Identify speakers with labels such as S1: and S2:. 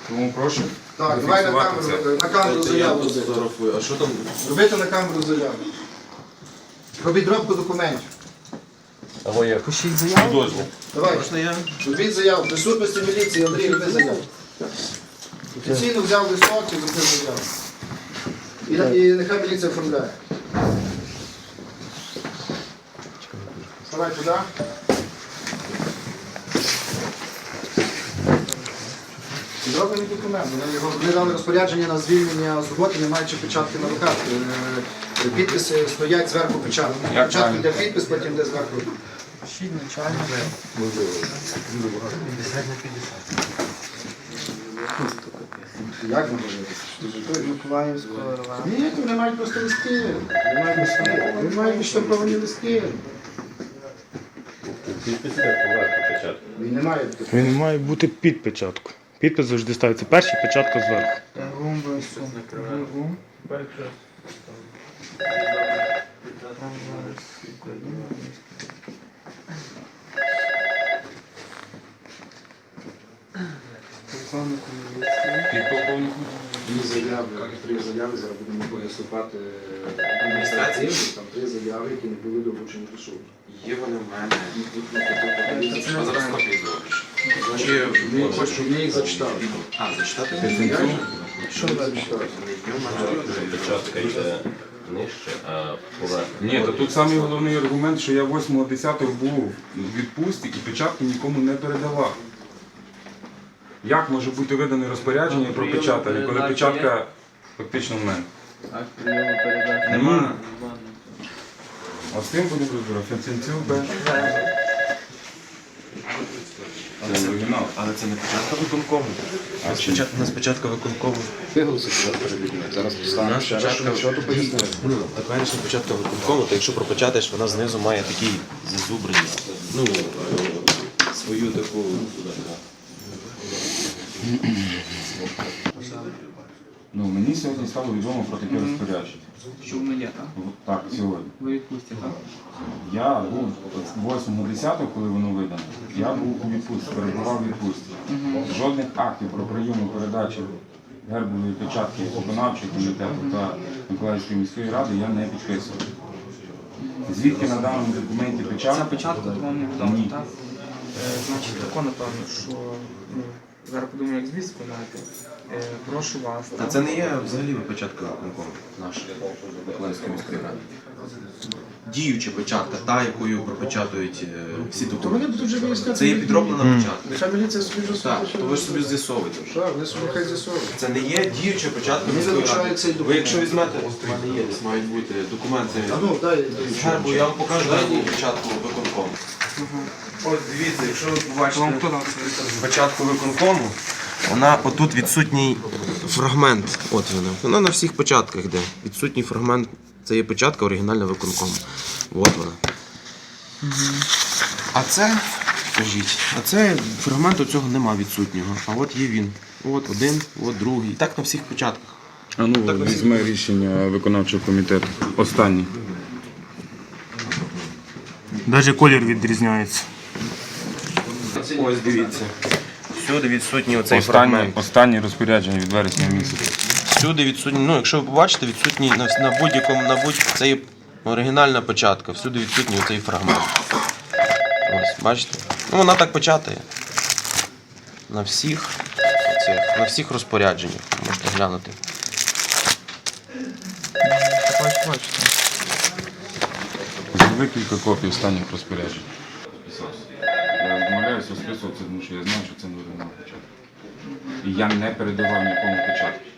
S1: Тому прошу.
S2: Так, давай на камеру заяву.
S3: А що там?
S2: Робити на камеру заяву. Про підробку документів.
S3: Або як?
S4: Пишіть заяву.
S1: Дозвіл.
S2: Давай.
S3: Можна я?
S2: Робіть заяву. В присутності міліції, Андрій, роби заяву. Офіційно взяв листок і зробив заяву. І нехай міліція оформляє. Давай туди. Підроблений документ. Вони дали розпорядження на звільнення з роботи, не маючи печатки на руках. Підписи стоять зверху печатки. Спочатку йде підпис, потім йде зверху.
S4: Пишіть начальник.
S3: 50 на 50.
S2: Як не можете?
S4: Миколаївського РВ.
S2: Ні, вони мають просто листки. Вони мають листки. Вони мають відштамповані листки. Він не має бути.
S5: Він має бути під печатку. Підпис завжди ставиться перший, печатка зверху.
S4: Гум ВСУ. Гум. Полковнику міліції.
S1: Підполковнику.
S2: Три заяви, зараз будемо виступати адміністрації. Там три заяви, які не були долучені до суду.
S3: Є вони в мене. Що зараз копії зробиш?
S2: Ми їх зачитали.
S3: А, зачитати?
S2: Що ви зачитали?
S6: Печатка йде нижче, а поверхня.
S1: Ні, то тут самий головний аргумент, що я 8.10 був в відпустці і печатки нікому не передавав. Як може бути видане розпорядження про печатання, коли печатка фактично в мене? Нема. От з тим будемо розбиратися. Це оригінал.
S3: Але це не початка виконкому. У нас початка виконкому.
S2: Виголосити перед людьми. Зараз поставимо ще раз, що то пояснили.
S3: Теперішня початка виконкому, то якщо пропечатаєш, вона знизу має такий зазубреність. Ну, свою таку.
S1: Ну, мені сьогодні стало відомо про таке розпорядження.
S4: Що воно є, так?
S1: Так, сьогодні.
S4: Ви відпустите, так?
S1: Я був 8.10, коли воно видано, я був у відпустці, перебував у відпустці. Жодних актів про прийому передачі гербової печатки виконавчого комітету та Миколаївської міської ради я не підписував. Звідки на даному документі
S4: Ця
S1: печатка?
S4: печатка то вам не відомо,
S1: Ні.
S4: так? Значить, тако, напевно, що зараз подумаю, як звіт складати. Прошу вас.
S3: А це не є взагалі початка виконкому наша Миколаївської міської ради. Діюча початка, та, якою пропечатують всі
S2: То
S3: документи.
S2: вони будуть вже виясняти.
S3: Це є підроблена початка.
S2: Нехай міліція собі вже
S3: Так, то ви ж собі з'ясовуєте.
S2: Так, вони собі хай з'ясовують.
S3: Це не є діюча початка
S2: Вони
S3: міської
S2: залишають
S3: ради.
S2: цей
S3: Ви
S2: документ.
S3: якщо візьмете, у мене є, десь мають бути документи.
S2: А ну, дай.
S3: З гербу я вам покажу яку початку виконкому. Ось дивіться, якщо ви
S4: Вам
S3: побачите
S4: хто дав це?
S3: початку виконкому, вона отут відсутній фрагмент. От вона на всіх початках йде. Відсутній фрагмент. Це є початка оригінальна виконкому. От вона. А це, скажіть, а це фрагменту цього нема відсутнього. А от є він. От один, от другий. Так на всіх початках.
S1: А ну, візьме рішення виконавчого комітету. Останнє.
S5: Навіть колір відрізняється.
S3: Ось дивіться. Всюди відсутній оцей фрагмент.
S1: Останнє розпорядження від вересня місяця.
S3: Всюди відсутній, ну якщо ви побачите, відсутній на будь-якому, це є оригінальна початка, всюди відсутній оцей фрагмент. Ось, бачите? Ну вона так печатає. На всіх розпорядженнях. Можете глянути.
S4: Бачите.
S1: Зроби кілька копій останніх розпоряджень. Я відмовляюся розписуватися, тому що я знаю, що це не оригінал початку. І я не передавав нікому початку.